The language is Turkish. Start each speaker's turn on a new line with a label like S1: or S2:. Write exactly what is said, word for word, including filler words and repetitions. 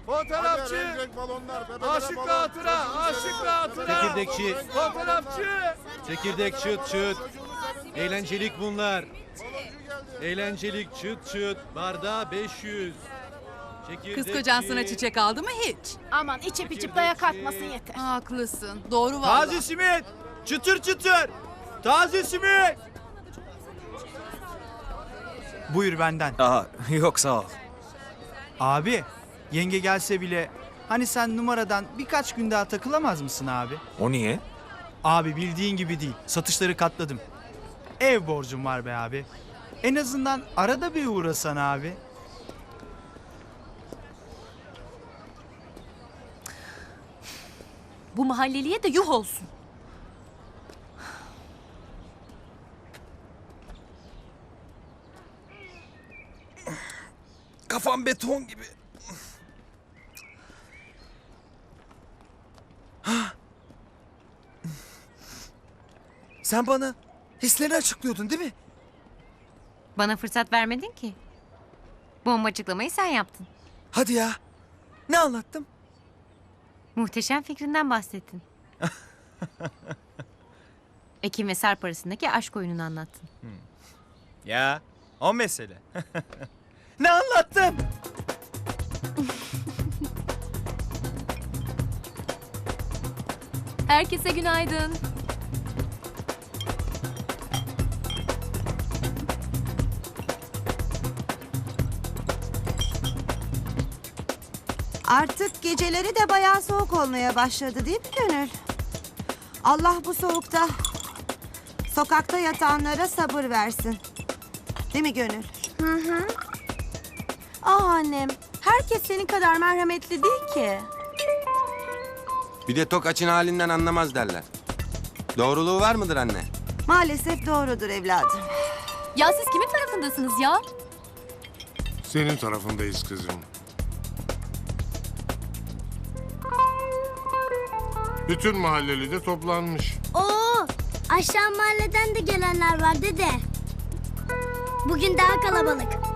S1: Fotoğrafçı.
S2: Hadi, renk renk balonlar, bebe bebe
S1: Aşıkla
S2: balon.
S1: hatıra. Aşıkla hatıra.
S3: Çekirdekçi.
S1: Fotoğrafçı.
S3: Çekirdek çıt çıt. Eğlencelik bunlar. Eğlencelik çıt çıt. Bardağı beş yüz. Çekirdekçi.
S4: Kız kocan sana çiçek aldı mı hiç?
S5: Aman içip içip dayak atmasın yeter.
S4: Haklısın. Doğru vallahi.
S1: Taze simit. Çıtır çıtır. Taze simit.
S6: Buyur benden.
S7: Aha yok sağ ol.
S6: Abi, yenge gelse bile hani sen numaradan birkaç gün daha takılamaz mısın abi?
S7: O niye?
S6: Abi bildiğin gibi değil. Satışları katladım. Ev borcum var be abi. En azından arada bir uğrasan abi.
S8: Bu mahalleliye de yuh olsun.
S7: Kafam beton gibi. Sen bana hislerini açıklıyordun değil mi?
S8: Bana fırsat vermedin ki. Bomba açıklamayı sen yaptın.
S7: Hadi ya. Ne anlattım?
S8: Muhteşem fikrinden bahsettin. Ekim ve Sarp arasındaki aşk oyununu anlattın.
S1: Ya o mesele. Ne anlattım?
S8: Herkese günaydın.
S9: Artık geceleri de bayağı soğuk olmaya başladı değil mi Gönül? Allah bu soğukta sokakta yatanlara sabır versin. Değil mi Gönül? Hı hı. Ah annem, herkes senin kadar merhametli değil ki.
S10: Bir de tok açın halinden anlamaz derler. Doğruluğu var mıdır anne?
S9: Maalesef doğrudur evladım.
S8: Ya siz kimin tarafındasınız ya?
S2: Senin tarafındayız kızım. Bütün mahalleli de toplanmış.
S11: Oo, aşağı mahalleden de gelenler var dede. Bugün daha kalabalık.